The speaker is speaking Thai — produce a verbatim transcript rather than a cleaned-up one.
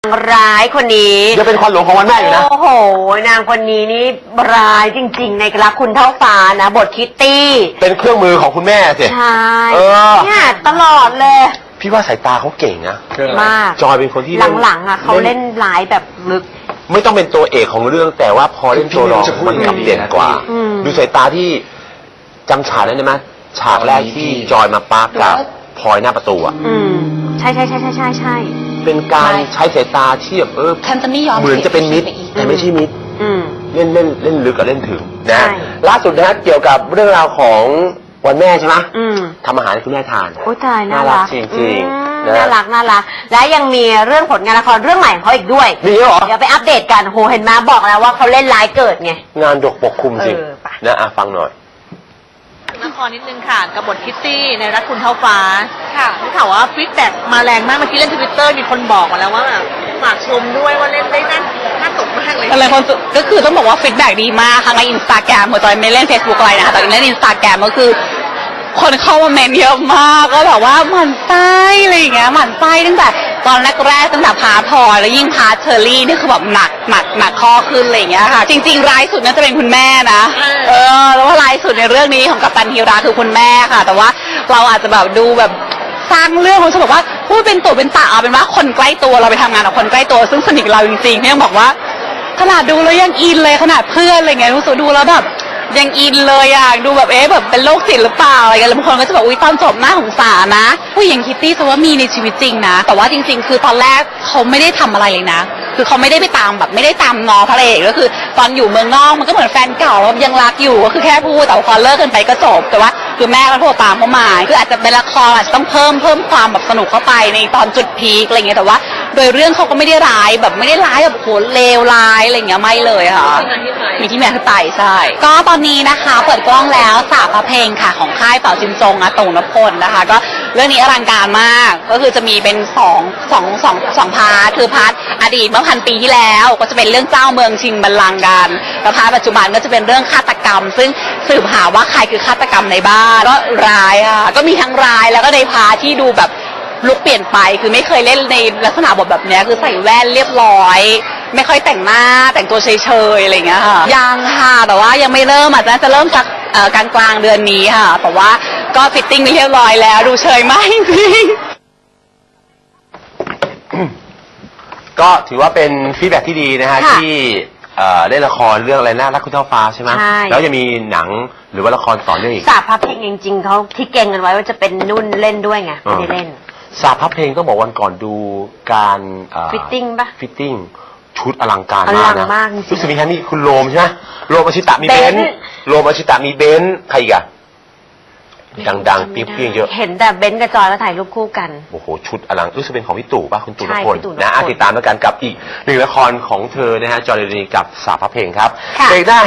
นางร้ายคนนี้จะเป็นควันหลงของวันแม่อยู่นะโอ้โหนางคนนี้นี่ร้ายจริงๆในรักคุณเท่าฟ้านะบทคิตตี้เป็นเครื่องมือของคุณแม่สิใช่เออเนี่ยตลอดเลยพี่ว่าสายตาเขาเก่งนะมากจอยเป็นคนที่หลังๆอ่ะเขาเล่นร้ายแบบลึกไม่ต้องเป็นตัวเอกของเรื่องแต่ว่าพอเล่นตัวรองมันกลับเด่นกว่าดูสายตาที่จำฉากได้ไหมฉากแรกที่จอยมาปาร์กกับพลอยหน้าประตูอ่ะอืมใช่ใช่ใช่ใช่ใช่ใช่เป็นการใช้สายตาที่แบบเออเหมือนจะเป็นมิตรแต่ไม่ใช่มิตรเล่นเล่นเล่นลึกกับเล่นถึงนะล่าสุดนะเกี่ยวกับเรื่องราวของวันแม่ใช่ไหมทำอาหารให้คุณแม่ทานโอ้ตายน่ารักจริงๆน่ารักน่ารักและยังมีเรื่องผลงานละครเรื่องใหม่ของเขาอีกด้วยมีเหรอเดี๋ยวไปอัปเดตกันโหเห็นมาบอกแล้วว่าเขาเล่นร้ายเกิดไงงานดกปกคลุมจริงนะอ่ะฟังหน่อยละครนิดนึงค่ะกับบทคิตตี้ในรักคุณเท่าฟ้าค่ะได้ข่าวว่าฟีดแบ็กมาแรงมากเมื่อกี้เล่นทวิตเตอร์มีคนบอกมาแล้วว่าแบบฝากชมด้วยว่าเล่นได้น่าน่าตกมากเลยอะไรคนก็คือต้องบอกว่าฟีดแบ็กดีมากทั้งในอินสตาแกรมหัวจอยไม่เล่น เฟซบุ๊ก อะไรนะคะแต่เล่นอินสตาแกรมก็คือคนเข้ามาเมนเยอะมากก็แบบว่าหมั่นไส้อะไรอย่างเงี้ยหมั่นไส้ตั้งแต่ตอนแรกๆตั้งแต่พาร์ทพลอยแล้วยิ่งพาร์ทเชอรี่นี่คือแบบหนักหนักหนักข้อขึ้นอะไรอย่างเงี้ยค่ะจริงๆร้ายสุดน่าจะเป็นคุณแม่นะเออแล้วว่าร้ายสุดในเรื่องนี้ของกัปตันฮีราคือคุณแม่ค่ะแต่ว่าเราอาจจะแบบดูแบบสร้างเรื่องเขาจะบอกว่าพูดเป็นตัวเป็นตาเอาเป็นว่าคนใกล้ตัวเราไปทำงานกับคนใกล้ตัวซึ่งสนิทกับเราจริงๆเนี่ยบอกว่าขนาดดูแล้วยังอินเลยขนาดเพื่อนอะไรเงี้ยรู้สึกดูแล้วแบบยังอินเลยอ่ะดูแบบเอ๊ะแบบเป็นโรคจิตหรือเปล่าอะไรกันแล้วบางคนก็จะบอกอุ้ยตอนจบหน้าสงสารนะผู้หญิงคิตตี้จะว่ามีในชีวิตจริงนะแต่ว่าจริงๆคือตอนแรกเขาไม่ได้ทำอะไรเลยนะคือเขาไม่ได้ไปตามแบบไม่ได้ตามงอพระเอกก็คือตอนอยู่เมืองนอกมันก็เหมือนแฟนเก่ายังรักอยู่ก็คือแค่พูดแต่พอเลิกกันไปก็จบแต่ว่าคือแม่ก็โทรตามเขามาคืออาจจะเป็นละครอาจจะต้องเพิ่มเพิ่มความแบบสนุกเข้าไปในตอนจุดพีคอะไรเงี้ยแต่ว่าโดยเรื่องเขาก็ไม่ได้ร้ายแบบไม่ได้ร้ายแบบโหเลวร้ายอะไรเงี้ยไม่เลยค่ะมีที่แม่คือไตใช่ก็ตอนนี้นะคะเปิดกล้องแล้วสาบพระเพลงค่ะของค่ายเต่าจินจงอะตุงนพพลนะคะก็เรื่องนี้อลังการมากก็คือจะมีเป็นสองสองสองสองพาร์ทคือพาร์ทอดีตเมื่อพันปีที่แล้วก็จะเป็นเรื่องเจ้าเมืองชิงบัลลังก์กันแล้วพาร์ทปัจจุบันก็จะเป็นเรื่องฆาตกรรมซึ่งสืบหาว่าใครคือฆาตกรรมในบ้านก็ร้ายค่ะก็มีทั้งร้ายแล้วก็ในพาร์ทที่ดูแบบลุคเปลี่ยนไปคือไม่เคยเล่นในลักษณะบทแบบนี้คือใส่แว่นเรียบร้อยไม่ค่อยแต่งหน้าแต่งตัวเฉยๆอะไรอย่างเงี้ยค่ะยังค่ะแต่ว่ายังไม่เริ่มอาจจะจะเริ่มสักกลางกลางเดือนนี้ค่ะแต่ว่าก็ฟิตติ้งเรียบร้อยแล้วดูเฉยมากจริงก็ถือว่าเป็นฟีดแบ็กที่ดีนะฮะที่เล่นละครเรื่องอะไรนะรักคุณเท่าฟ้าใช่ไหมแล้วจะมีหนังหรือว่าละครต่อเนื่องอีกสาบพระเพลงจริงๆเขาที่เก่งกันไว้ว่าจะเป็นนุ่นเล่นด้วยไงไม่ได้เล่นสาบพระเพลงต้องบอกวันก่อนดูการฟิตติ้งปะฟิตติ้งชุดอลังการมากนะรู้สึกมีแค่นี้คุณโรมใช่ไหมโรมอชิตะมีเบนซ์โรมอชิตะมีเบนซ์ใครอีกอะดังๆเปี้ยงๆเยอะเห็นแต่เบนซ์กับจอยแล้วถ่ายรูปคู่กันโอ้โหชุดอลังรู้สึกเป็นของพี่ตู่ป่ะคุณตู่นพลนะติดตามแล้วกันกับอีกหนึ่งละครของเธอนะฮะจอยเรนีกับสาบพระเพลงครับเบรกหน้า